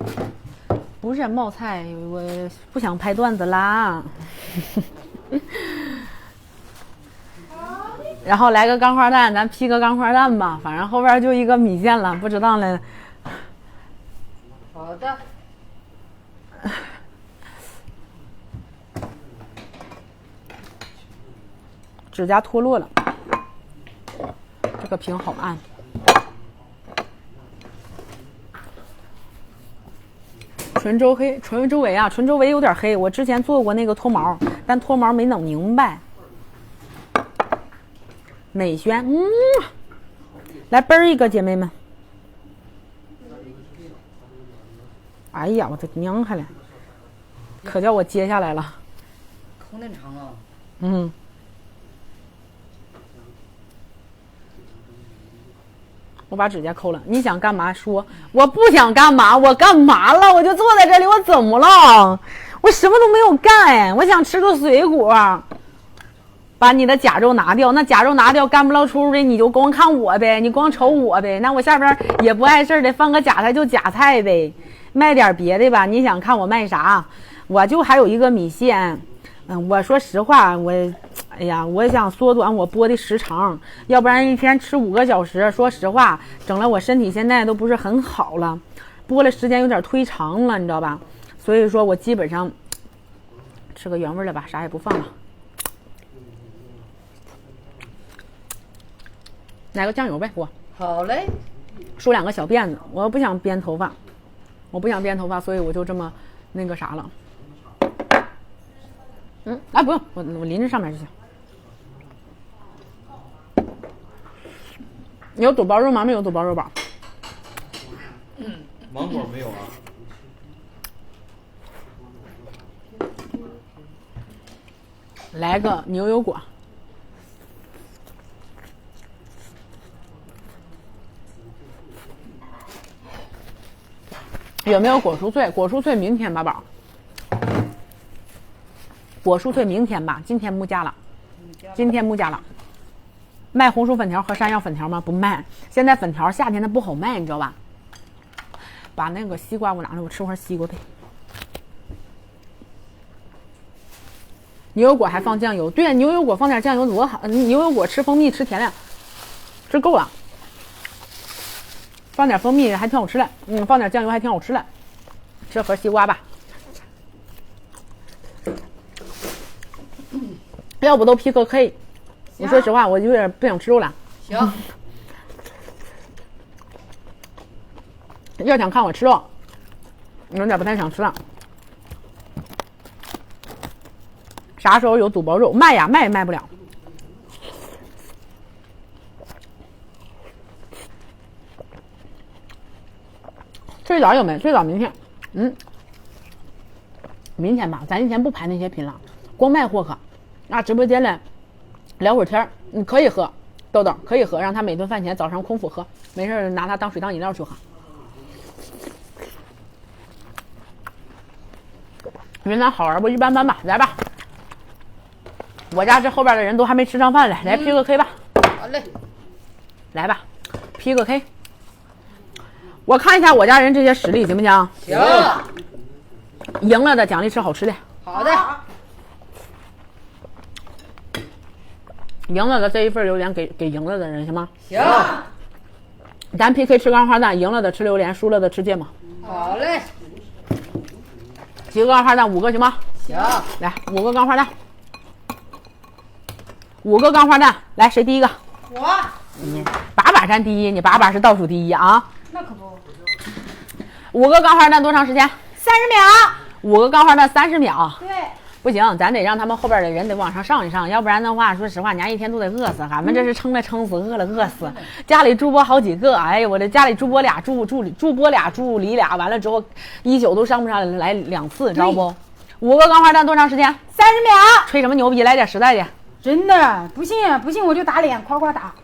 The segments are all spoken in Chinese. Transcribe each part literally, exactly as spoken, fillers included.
不是冒菜，我不想拍段子啦。然后来个钢花蛋，咱劈个钢花蛋吧，反正后边就一个米线了，不知道了。 好的。 指甲脱落了，这个屏好暗。唇周黑，唇周围啊，唇周围有点黑。我之前做过那个脱毛，但脱毛没弄明白。美宣，嗯，来啵一个，姐妹们。哎呀，我的娘开了，可叫我接下来了。 口那长啊。 嗯。我把指甲抠了，你想干嘛说？我不想干嘛，我干嘛了？我就坐在这里，我怎么了？我什么都没有干，我想吃个水果。把你的甲肉拿掉，那甲肉拿掉，干不了出的你就光看我呗，你光瞅我呗。那我下边也不碍事的，放个假菜就假菜呗，卖点别的吧。你想看我卖啥？我就还有一个米线。嗯，我说实话，我，哎呀，我想缩短我播的时长，要不然一天吃五个小时，说实话，整了我身体现在都不是很好了，播了时间有点忒长了，你知道吧？所以说我基本上吃个原味的吧，啥也不放了。来个酱油呗，我。 好嘞。 梳两个小辫子，我不想编头发，我不想编头发，所以我就这么那个啥了。嗯，哎，不用，我我淋着上面就行。有肚包肉吗？没有肚包肉吧？ 嗯，芒果没有啊。 来个牛油果。有没有果蔬脆？果蔬脆明天吧，宝。果蔬脆明天吧，今天木加了，今天木加了。卖红薯粉条和山药粉条吗？不卖。现在粉条夏天它不好卖，你知道吧？把那个西瓜我拿来，我吃会儿西瓜呗。牛油果还放酱油，对，牛油果放点酱油多好。牛油果吃蜂蜜吃甜了，吃够了。放点蜂蜜还挺好吃的，嗯，放点酱油还挺好吃的。吃盒西瓜吧。要不都 P K K， 我说实话，我有点不想吃肉了。 行。 要想看我吃肉，有点不太想吃了。啥时候有肚包肉卖呀？卖也卖不了。最早有没？最早明天，嗯，明天吧，咱今天不排那些品了，光卖货可。啊，直播间来聊会儿天，你可以喝，豆豆可以喝，让他每顿饭前早上空腹喝，没事拿它当水当饮料去喝。云南好玩不？一般般吧，来吧。我家这后边的人都还没吃上饭嘞，来 P 个 K 吧。 好嘞， 来吧 ，P 个 K。我看一下我家人这些实力行不行？ 行。 赢了的奖励吃好吃的。 好的。 赢了的这一份榴莲给给赢了的人行吗？ 行。 咱 P K 吃钢花蛋，赢了的吃榴莲，输了的吃芥末。 好嘞。 几个钢花蛋？五个行吗？ 行。 来，五个钢花蛋。五个钢花蛋，来，谁第一个？ 我。 你把把占第一，你把把是倒数第一啊！ 那可不。 五个钢花蛋多长时间？ 三十秒。 五个钢花蛋三十秒。 对。 不行，咱得让他们后边的人得往上上一上，要不然的话，说实话，娘一天都得饿死。俺们这是撑了撑死，饿了饿死。家里助播好几个，哎呀，我这家里助播俩助助理助播俩助理俩，完了之后一宿都上不上来两次，知道不？五个钢花蛋多长时间？ 三十秒。 吹什么牛逼？来点实在的。 真的不信不信我就打脸，夸夸打。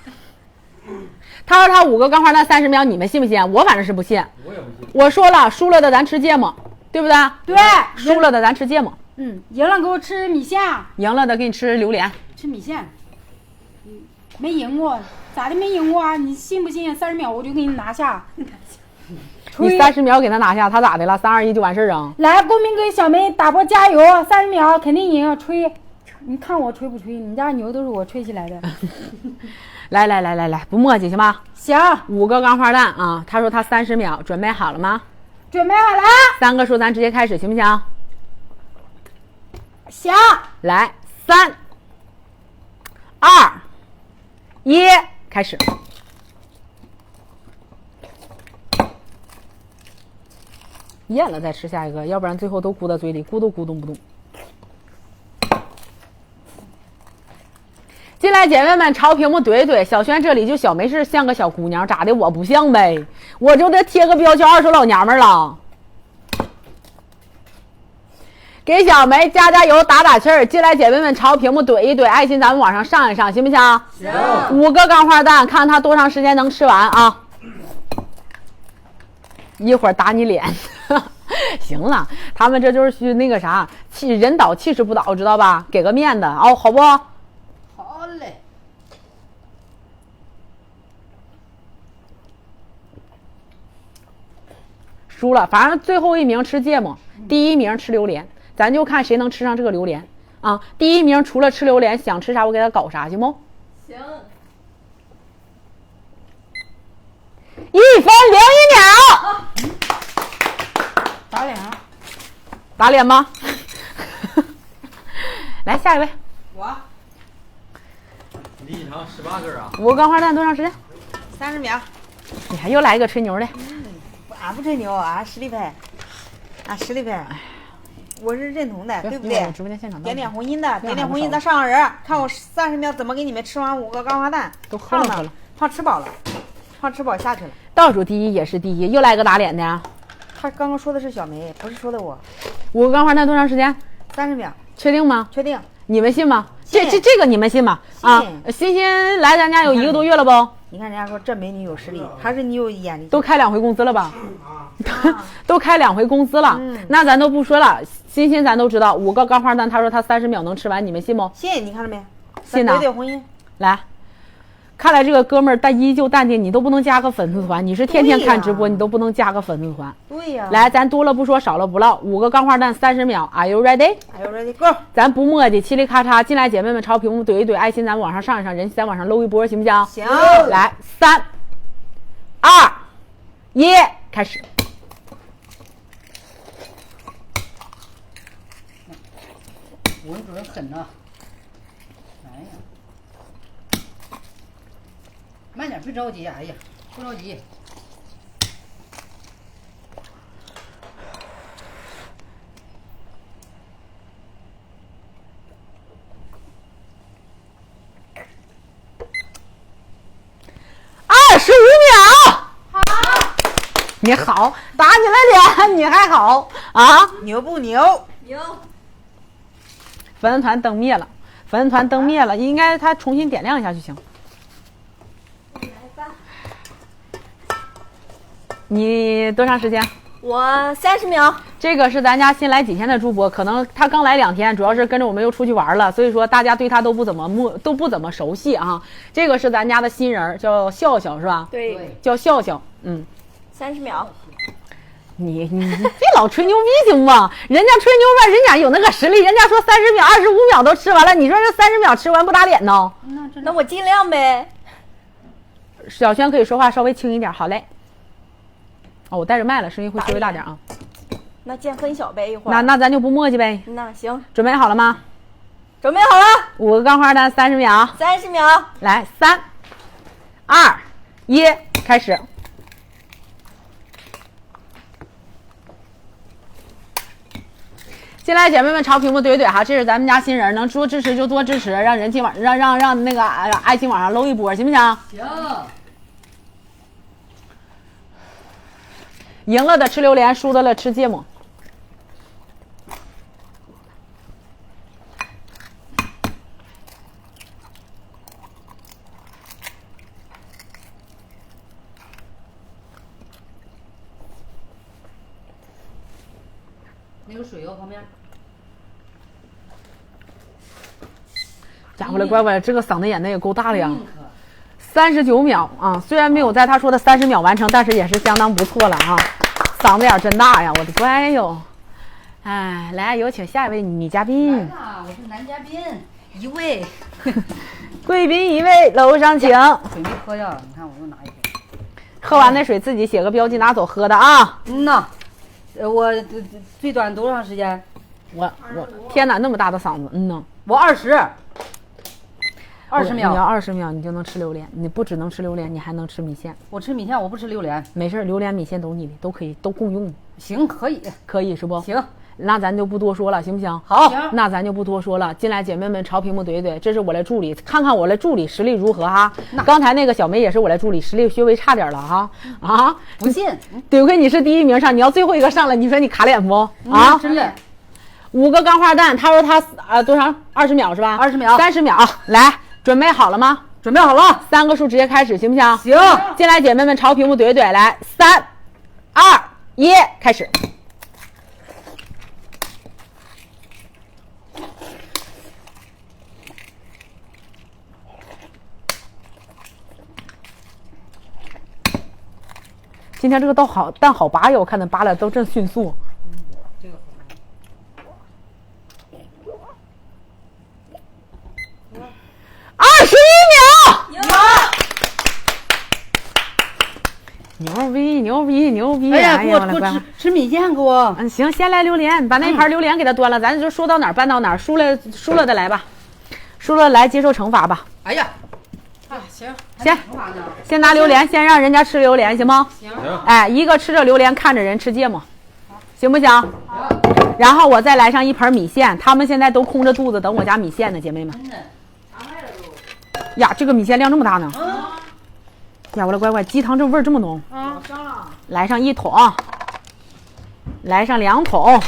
他说他五个钢花蛋三十秒，你们信不信？我反正是不信。 我也不信。 我说了，输了的咱吃芥末，对不对？ 对。 输了的咱吃芥末。 嗯，赢了给我吃米线， 赢了的给你吃榴莲， 吃米线。嗯，没赢过，咋的没赢过啊？你信不信？三十秒我就给你拿下。 你三十秒给他拿下，他咋的了？三二一就完事儿啊？ 来，公民给小梅打波加油，三十秒肯定赢，吹！你看我吹不吹？你家牛都是我吹起来的。 来来来来来，不墨迹行吗？ 行， 五个钢花蛋啊！他说他三十秒，准备好了吗？ 准备好了。 三个数咱直接开始，行不行？ 行。 来，三、二、一，开始。咽了再吃下一个，要不然最后都咕到嘴里，咕都咕咚不动。进来，姐妹们，朝屏幕怼一怼。小轩这里就小梅是像个小姑娘，咋的？我不像呗，我就得贴个标签，二手老娘们了。给小梅加加油，打打气儿。进来，姐妹们，朝屏幕怼一怼，爱心咱们往上上一上，行不行？ 行。 五个钢花蛋，看她多长时间能吃完啊？一会儿打你脸。行了，他们这就是去那个啥，气人倒气势不倒，知道吧？给个面子哦，好不？ 好嘞。 输了，反正最后一名吃芥末，第一名吃榴莲，咱就看谁能吃上这个榴莲啊！第一名除了吃榴莲，想吃啥我给他搞啥，行不？ 行。 一分零一秒。 打脸啊！ 打脸吗？来下一位。 我。 李锦堂十八根啊。 五个钢花蛋多长时间？ 三十秒。 你还又来一个吹牛的。 嗯，俺不吹牛，俺实力派，俺实力派。我是认同的，对不对？ 直播间现场点点红心的，点点红心的上上人，看我三十秒怎么给你们吃完五个钢花蛋。 都喝了喝了， 胖吃饱了，胖吃饱下去了。 倒数第一也是第一，又来个打脸的。 他刚刚说的是小梅，不是说的我。 五个钢花蛋多长时间？ 三十秒。 确定吗？ 确定。 你们信吗？这这这个你们信吗？啊，欣欣来咱家有一个多月了不？ 你看人家说这美女有实力，还是你有眼力？ 都开两回工资了吧？都开两回工资了，嗯、那咱都不说了。欣欣咱都知道，五个钢花蛋，他说他三十秒能吃完，你们信不？ 信，你看着没？ 信呢。 对对，红心。 来，看来这个哥们儿但依旧淡定，你都不能加个粉丝团，你是天天看直播，你都不能加个粉丝团。 对呀。 来，咱多了不说，少了不唠，五个钢花蛋三十秒 ，Are you ready？ Are you ready? Go！ 咱不磨叽，嘁哩咔嚓，进来姐妹们朝屏幕怼一怼，爱心咱往上上一上，人气咱往上搂一波，行不行？ 行。 来，三、二、一，开始。 我主要狠呐！哎呀，慢点，别着急，哎呀，不着急。 二十五秒。好，你好，打你了脸，你还好啊？ 牛不牛？ 牛。 粉丝团灯灭了，粉丝团灯灭了，应该他重新点亮一下就行。 来吧。 你多长时间？ 我三十秒。 这个是咱家新来几天的主播，可能他刚来两天，主要是跟着我们又出去玩了，所以说大家对他都不怎么陌都不怎么熟悉啊。这个是咱家的新人，叫笑笑是吧？ 对， 叫笑笑。嗯， 三十秒。 你你你别老吹牛逼行吗？人家吹牛吧，人家有那个实力，人家说三十秒、二十五秒都吃完了，你说这三十秒吃完不打脸呢？ 那我尽量呗。 小轩可以说话稍微轻一点，好嘞。哦，我带着麦了，声音会稍微大点啊。 那见分晓呗，一会儿。 那那咱就不磨叽呗。 那行， 准备好了吗？ 准备好了。 五个钢花蛋，三十秒。 三十秒。 来，三、二、一，开始。进来，姐妹们朝屏幕怼怼哈，这是咱们家新人，能多支持就多支持，让人气往让让让那个爱心往上搂一波，行不行？ 行。 赢了的吃榴莲，输的了吃芥末。 那个水哦，旁边。 家伙了，乖乖，这个嗓子眼的也够大的呀！三十九秒啊，虽然没有在他说的三十秒完成，但是也是相当不错了啊。 嗓子眼真大呀，我的乖哟！哎，来，有请下一位女嘉宾。 来啦，我是男嘉宾，一位。 贵宾一位，楼上请。 水没喝呀？你看我又拿一杯。 喝完那水自己写个标记拿走喝的啊。 嗯呐，呃，我最短多长时间？ 我我天哪，那么大的嗓子，嗯呐。 我二十。二十秒。 你要二十秒，你就能吃榴莲。你不只能吃榴莲，你还能吃米线。 我吃米线，我不吃榴莲。 没事，榴莲米线都你的，都可以，都共用。 行，可以， 可以是不？ 行。 那咱就不多说了，行不行？ 好， 那咱就不多说了。进来，姐妹们朝屏幕怼一怼，这是我的助理，看看我的助理实力如何哈。刚才那个小梅也是我的助理，实力稍微差点了哈。啊， 不信？ 得亏你是第一名上，你要最后一个上了，你说你卡脸不？啊， 嗯、真的。 五个钢化蛋，他说他啊多长？二十秒是吧？ 二十秒， 三十秒。来，准备好了吗？ 准备好了， 三个数直接开始，行不行？ 行。 进来，姐妹们朝屏幕怼一怼，来，三、二、一，开始。今天这个蛋好蛋好拔呀，我看它拔的都真迅速。 嗯，这个好。 二十一秒。牛逼牛逼牛逼！ 哎呀，给我给我吃吃米线，给我。 嗯，行，先来榴莲，把那盘榴莲给它端了，咱就说到哪儿办到哪儿，输了输了的来吧，输了来接受惩罚吧。 哎呀。啊，行， 先先拿榴莲，先让人家吃榴莲，行吗？ 行。 哎，一个吃着榴莲，看着人吃芥末，行不行？好。然后我再来上一盆米线，他们现在都空着肚子等我家米线呢，姐妹们。 真的。 呀，这个米线量这么大呢？ 嗯。 呀，我的乖乖，鸡汤这味儿这么浓。 啊，上了。 来上一桶，来上两桶，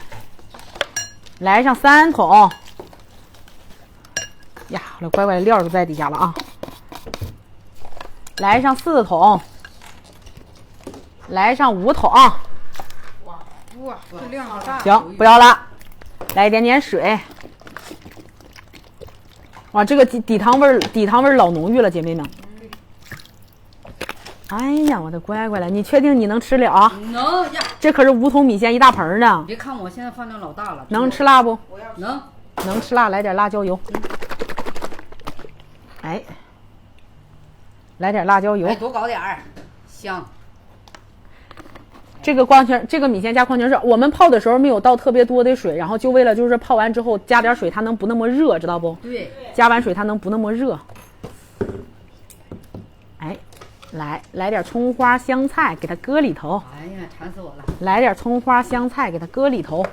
来上三桶。呀，我的乖乖，料都在底下了啊。来上四桶，来上五桶。哇哇，这量好大。 行，不要了，来一点点水。哇，这个底底汤味儿，底汤味儿老浓郁了，姐妹们。哎呀，我的乖乖了，你确定你能吃了啊？ 能呀。 这可是五桶米线一大盆呢。 别看我现在饭量老大了。 能吃辣不？ 能。 能吃辣，来点辣椒油。哎。来点辣椒油， 哎，多搞点儿，香。 这个矿泉，这个米线加矿泉水，我们泡的时候没有倒特别多的水，然后就为了就是泡完之后加点水，它能不那么热，知道不？ 对。 加完水它能不那么热。哎，来来点葱花香菜，给它搁里头。 哎呀，馋死我了！ 来点葱花香菜，给它搁里头。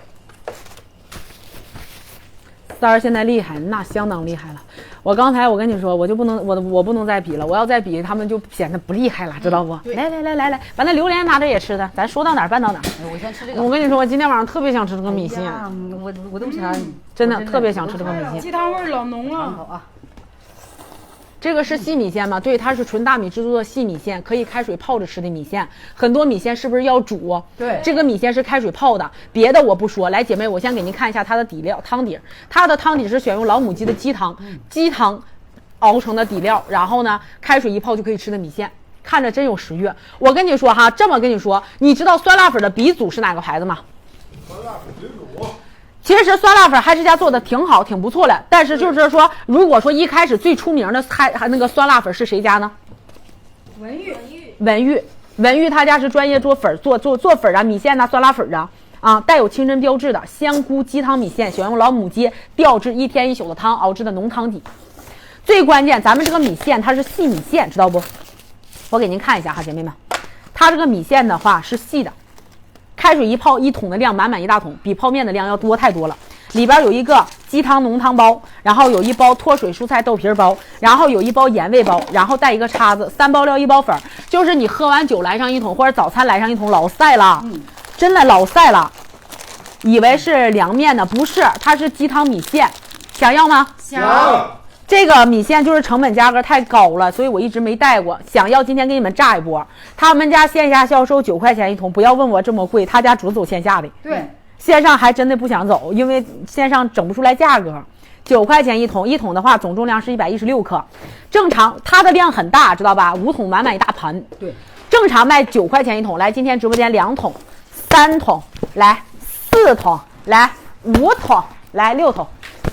三儿现在厉害，那相当厉害了。我刚才我跟你说，我就不能，我我不能再比了。我要再比，他们就显得不厉害了，知道不？ 嗯、 来来来来来，把那榴莲拿着也吃的，咱说到哪儿办到哪儿。 哎、我先吃这个。 我跟你说，我今天晚上特别想吃这个米线， 哎、我我都馋、嗯， 真的特别想吃这个米线。 鸡汤味老浓了。 好啊。 这个是细米线吗？对，它是纯大米制作的细米线，可以开水泡着吃的米线。很多米线是不是要煮？ 对， 这个米线是开水泡的，别的我不说。来，姐妹，我先给您看一下它的底料汤底。它的汤底是选用老母鸡的鸡汤，鸡汤熬成的底料，然后呢，开水一泡就可以吃的米线，看着真有食欲。我跟你说哈，这么跟你说，你知道酸辣粉的鼻祖是哪个牌子吗？ 酸辣粉鼻祖。 其实酸辣粉嗨之家做的挺好，挺不错的。但是就是说，如果说一开始最出名的嗨那个酸辣粉是谁家呢？ 文玉。 文玉，文玉他家是专业做粉做做做粉啊，米线呐、酸辣粉啊，啊带有清真标志的香菇鸡汤米线，选用老母鸡吊制一天一宿的汤熬制的浓汤底。最关键，咱们这个米线它是细米线，知道不？我给您看一下哈，姐妹们，它这个米线的话是细的。开水一泡一桶的量，满满一大桶，比泡面的量要多太多了。里边有一个鸡汤浓汤包，然后有一包脱水蔬菜豆皮包，然后有一包盐味包，然后带一个叉子，三包料一包粉，就是你喝完酒来上一桶，或者早餐来上一桶，老晒了， 嗯、 真的老晒了。以为是凉面呢，不是，它是鸡汤米线，想要吗？ 想。 这个米线就是成本价格太高了，所以我一直没带过。想要今天给你们炸一波。他们家线下销售九块钱一桶，不要问我这么贵，他家只走线下的。 对， 线上还真的不想走，因为线上整不出来价格。九块钱一桶，一桶的话总重量是一百一十六克，正常它的量很大，知道吧？五桶满满一大盘。 对， 正常卖九块钱一桶，来，今天直播间两桶、三桶，来四桶，来五桶，来六桶。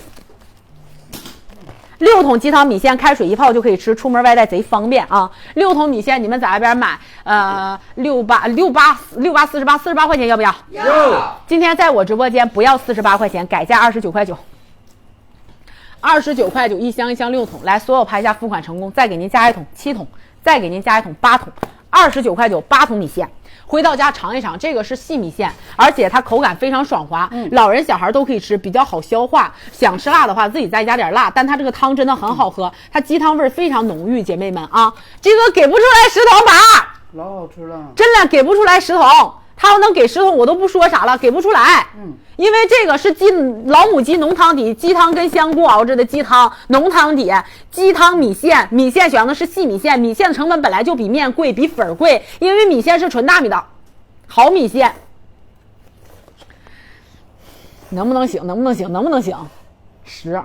六桶鸡汤米线，开水一泡就可以吃，出门外带贼方便啊！六桶米线你们在外边买，呃，六八六八六八四十八，四十八块钱要不要？ 要。 今天在我直播间不要四十八块钱，改价二十九块九。二十九块九一箱，一箱六桶，来，所有拍下付款成功，再给您加一桶七桶，再给您加一桶八桶，二十九块九八桶米线。回到家尝一尝，这个是细米线，而且它口感非常爽滑，嗯、老人小孩都可以吃，比较好消化。想吃辣的话，自己再加点辣，但它这个汤真的很好喝，它鸡汤味非常浓郁，姐妹们啊，这个给不出来十桶吧， 老好吃了， 真的给不出来十桶。他要能给十桶，我都不说啥了，给不出来。嗯，因为这个是鸡老母鸡浓汤底，鸡汤跟香菇熬着的鸡汤浓汤底，鸡汤米线，米线选的是细米线，米线的成本本来就比面贵，比粉儿贵，因为米线是纯大米的好米线。能不能行？能不能行？能不能行？十。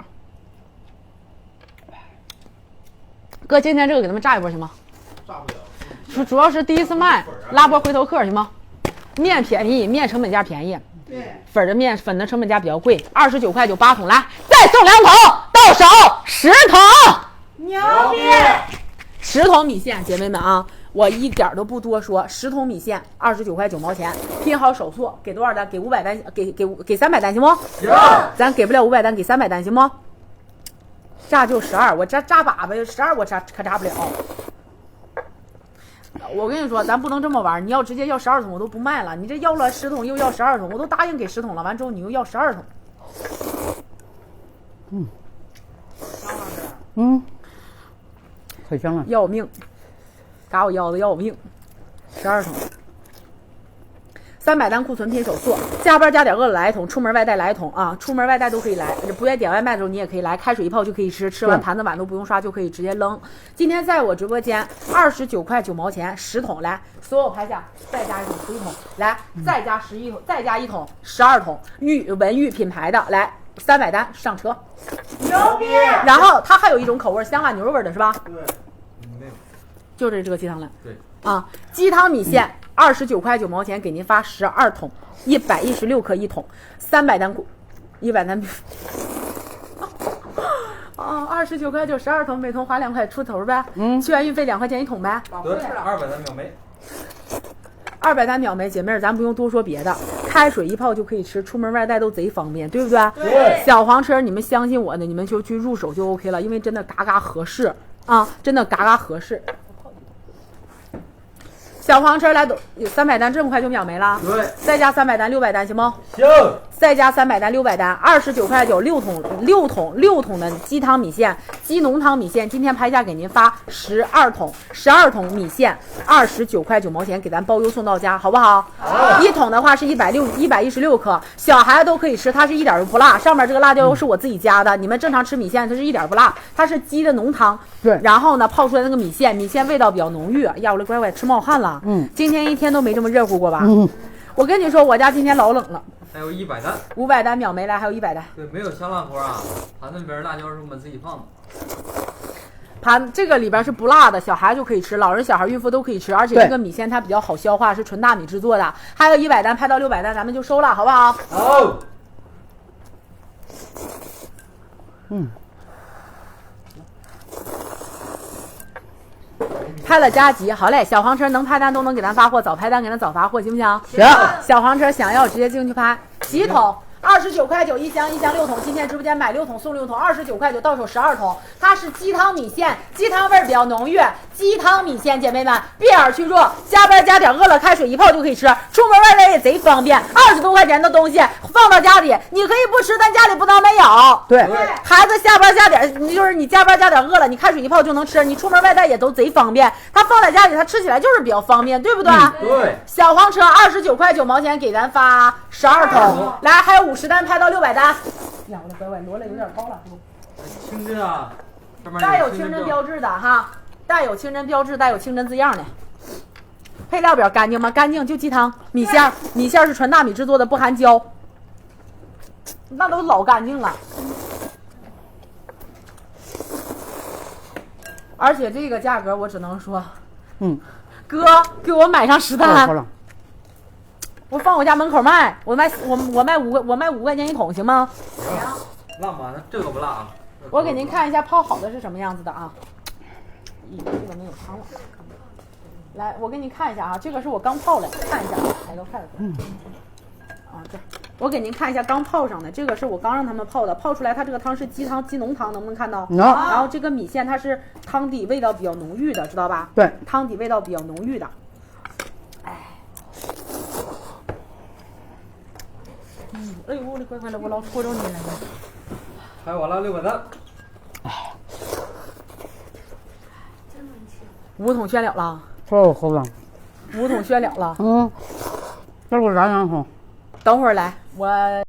哥，今天这个给他们炸一波行吗？ 炸不了。 主主要是第一次卖，拉波回头客行吗？面便宜，面成本价便宜，对，粉的面粉的成本价比较贵，二十九块九八桶，来再送两桶，到手十桶， 牛逼！ 十桶米线，姐妹们啊，我一点都不多说，十桶米线二十九块九毛钱，拼好手速，给多少单？给五百单，给给给三百单行不？行，咱给不了五百单，给三百单行不？炸就十二，我炸炸粑粑十二，我炸可炸不了。我跟你说，咱不能这么玩，你要直接要十二桶，我都不卖了。你这要了十桶，又要十二桶，我都答应给十桶了，完之后你又要十二桶。 嗯，嗯，可香了， 要我命，嘎我腰子要我命，十二桶。三百单库存拼手速，加班加点饿了来一桶，出门外带来一桶啊！出门外带都可以来，不愿意点外卖的时候你也可以来，开水一泡就可以吃，吃完盘子碗都不用刷就可以直接扔。今天在我直播间二十九块九毛钱十桶，来，所有拍下再加一桶十一桶，来再加十一桶，再加一桶十二桶，玉文玉品牌的，来三百单上车， 牛逼！ 然后它还有一种口味，香辣牛肉味的是吧？ 对， 没有， 就这这个鸡汤了。 对啊，鸡汤米线。二十九块九毛钱给您发十二桶，一百一十六克一桶，三百单，一百单。啊，二十九块九十二桶，每桶花两块出头呗。嗯，去完运费两块钱一桶呗。 对，二百单秒没。 二百单秒没，姐妹儿，咱不用多说别的，开水一泡就可以吃，出门外带都贼方便，对不对？ 对。 小黄车，你们相信我的，你们就去入手就 OK 了，因为真的嘎嘎合适啊，真的嘎嘎合适。小黄车来都有三百单，这么快就秒没了？ 对， 再加三百单，六百单行吗？ 行。 再加三百单，六百单，二十九块九，六桶六桶六桶的鸡汤米线，鸡浓汤米线，今天拍价给您发十二桶，十二桶米线，二十九块九毛钱，给咱包邮送到家，好不好？好。一桶的话是一百六一百一十六克，小孩子都可以吃，它是一点都不辣，上面这个辣椒油是我自己加的，你们正常吃米线它是一点不辣，它是鸡的浓汤， 对， 然后呢泡出来那个米线，米线味道比较浓郁，呀，我的乖乖吃冒汗了，嗯，今天一天都没这么热乎过吧？嗯，我跟你说，我家今天老冷了。 还有一百单， 五百单秒没来，还有一百单。 对，没有香辣锅啊，盘子里边辣椒是我们自己放的。 盘这个里边是不辣的，小孩就可以吃，老人、小孩、孕妇都可以吃，而且这个米线它比较好消化，是纯大米制作的。还有一百单，拍到六百单，咱们就收了，好不好？ 好。 嗯。 拍了加急，好嘞！小黄车能拍单都能给咱发货，早拍单给咱早发货，行不行？ 行。 小黄车想要直接进去拍，几桶？二十九块九一箱，一箱六桶。今天直播间买六桶送六桶，二十九块九到手十二桶。它是鸡汤米线，鸡汤味儿比较浓郁。鸡汤米线，姐妹们闭眼去做，加班加点饿了，开水一泡就可以吃，出门外带也贼方便。二十多块钱的东西放到家里，你可以不吃，但家里不能没有。 对， 孩子下班加点，你就是你加班加点饿了，你开水一泡就能吃，你出门外带也都贼方便。它放在家里，它吃起来就是比较方便，对不对？ 嗯、对。 小黄车二十九块九毛钱给咱发十二桶，来还有五十单拍到六百单。呀，我的乖乖，摞了有点高了。 清真啊，上面带有清真标志的哈，带有清真标志，带有清真字样的。配料表干净吗？干净，就鸡汤米线，米线是纯大米制作的，不含胶，那都老干净了。而且这个价格我只能说， 嗯， 哥给我买上十单， 好了， 我放我家门口卖，我卖我我卖五个，我卖五块钱一桶，行吗？ 辣吗？那这个不辣啊。 我给您看一下泡好的是什么样子的啊。咦，这个没有汤了。来，我给你看一下啊，这个是我刚泡的，看一下啊，来个筷子。嗯。啊，这我给您看一下刚泡上的，这个是我刚让他们泡的，泡出来它这个汤是鸡汤鸡浓汤，能不能看到？ 能。 然后这个米线它是汤底味道比较浓郁的，知道吧？ 对， 汤底味道比较浓郁的。哎。嗯，哎呦我的乖乖的，我老戳着你了。 还有我了六百单。 五桶宣了了， 太好了。 五桶宣了了。 嗯，这给我燃两桶。 等会儿来，我。